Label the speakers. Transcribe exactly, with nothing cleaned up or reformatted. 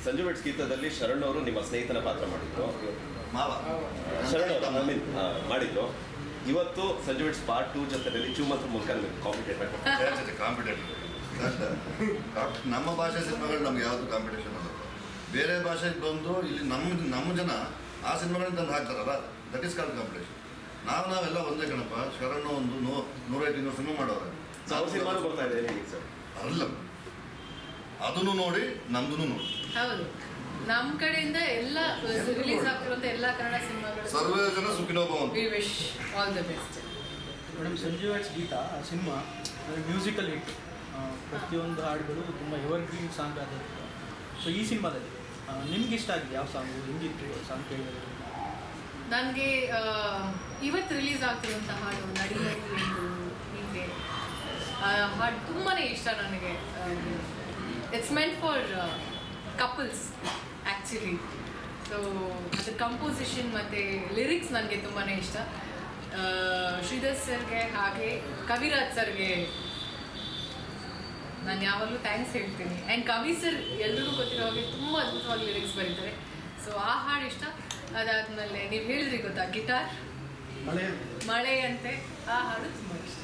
Speaker 1: Sanju weds ಗೀತದಲ್ಲಿ Sharan ಅವರು ನಿಮ್ಮ ಸ್ನೇಹಿತನ ಪಾತ್ರ ಮಾಡಿದ್ರು,
Speaker 2: ಮಾವ
Speaker 1: ಶರಣ್ ಅವರು ಐ ಮೀನ್ ಮಾಡಿದ್ರು. ಇವತ್ತು ಸಂಜು ವೆಡ್ಸ್ ಪಾರ್ಟ್ ಟೂ ಜೊತೆಯಲ್ಲಿ ಚೂಮಂತ್ರ ಮೂಲಕ ನಿಮಗೆ ಕಾಂಪಿಟೇಟ್ ಮಾಡ್ತಾರೆ.
Speaker 2: ಕಾಂಪಿಟೇಟಿವ್ ನಮ್ಮ ಭಾಷೆ ಸಿನಿಮಾಗಳು ನಮ್ಗೆ ಯಾವುದು ಕಾಂಪಿಟೇಷನ್ ಅಲ್ಲ. ಬೇರೆ ಭಾಷೆಗೆ ಬಂದು ಇಲ್ಲಿ ನಮ್ಮ ನಮ್ಮ ಜನ ಆ ಸಿನಿಮಾಗಳನ್ನ ತಂದು ಹಾಕ್ತಾರಲ್ಲ, ದಟ್ ಈಸ್ ಕಾಲ್ಡ್ ಕಾಂಪಿಟೇಷನ್. ನಾವು ನಾವೆಲ್ಲ ಒಂದೇ ಕಣಪ್ಪ. ಶರಣ ಒಂದು ನೂ ನೂರೈದು ಇನ್ನೂರು ಸಿನಿಮಾ ಮಾಡೋರು,
Speaker 1: ನಾವು ಸಿನಿಮಾನು ಬರ್ತಾ ಇದೆ ಸರ್.
Speaker 2: ಅಲ್ಲ, ಅದನ್ನು ನೋಡಿ ನಮ್ದು ನೋಡಿ.
Speaker 3: ಹೌದು, ನಮ್ಮ ಕಡೆಯಿಂದ ಎಲ್ಲ ರಿಲೀಸ್ ಆಗ್ತಿರುವಂತ ಎಲ್ಲ ಕನ್ನಡ ಸಿನಿಮಾಗಳು
Speaker 2: ಸರ್ವೇ ಜನ ಸುಖಿನೋ ಭವಂತು.
Speaker 3: We wish all the best.
Speaker 4: Madam, Sanju weds Geetha cinema musical hit, ಪ್ರತಿಯೊಂದು ಹಾಡುಗಳು ತುಂಬ ಎವರ್ ಗ್ರೀನ್ ಸಾಂಗ್ ಆಗಿರುತ್ತೆ. ಸೊ ಈ ಸಿನಿಮಾದಲ್ಲಿ ನಿಮ್ಗೆ ಇಷ್ಟ ಆಗಿದೆ ಯಾವ ಸಾಂಗು, ಹೆಂಗಿತ್ತು ಸಾಂಗ್ ಕೇಳಿದ್ರೆ?
Speaker 3: ನನಗೆ ಇವತ್ತು ರಿಲೀಸ್ ಆಗ್ತಿರುವಂಥ ಹಾಡು ನಡಿಯಲ್ಲಿ ಎಂದು ಹೀಗೆ ಹಾಡು ತುಂಬಾ ಇಷ್ಟ ನನಗೆ. It's meant for couples actually. So ಅದ್ರ ಕಂಪೋಸಿಷನ್ ಮತ್ತು ಲಿರಿಕ್ಸ್ ನನಗೆ ತುಂಬಾ ಇಷ್ಟ. ಶ್ರೀಧರ್ ಸರ್ಗೆ ಹಾಗೆ ಕವಿರಾಜ್ ಸರ್ಗೆ ನಾನು ಯಾವಾಗಲೂ ಥ್ಯಾಂಕ್ಸ್ ಹೇಳ್ತೀನಿ. ಆ್ಯಂಡ್ ಕವಿ ಸರ್ ಎಲ್ರಿಗೂ ಗೊತ್ತಿರೋ ಹಾಗೆ ತುಂಬ ಅದ್ಭುತವಾಗಿ ಲಿರಿಕ್ಸ್ ಬರೀತಾರೆ. ಸೊ ಆ ಹಾಡು ಇಷ್ಟ. ಅದಾದಮೇಲೆ ನೀವು ಹೇಳಿದ್ರಿ ಗೊತ್ತಾ ಗಿಟಾರ್
Speaker 4: ಮಳೆ
Speaker 3: ಮಳೆ ಅಂತೆ, ಆ ಹಾಡು ತುಂಬ ಇಷ್ಟ.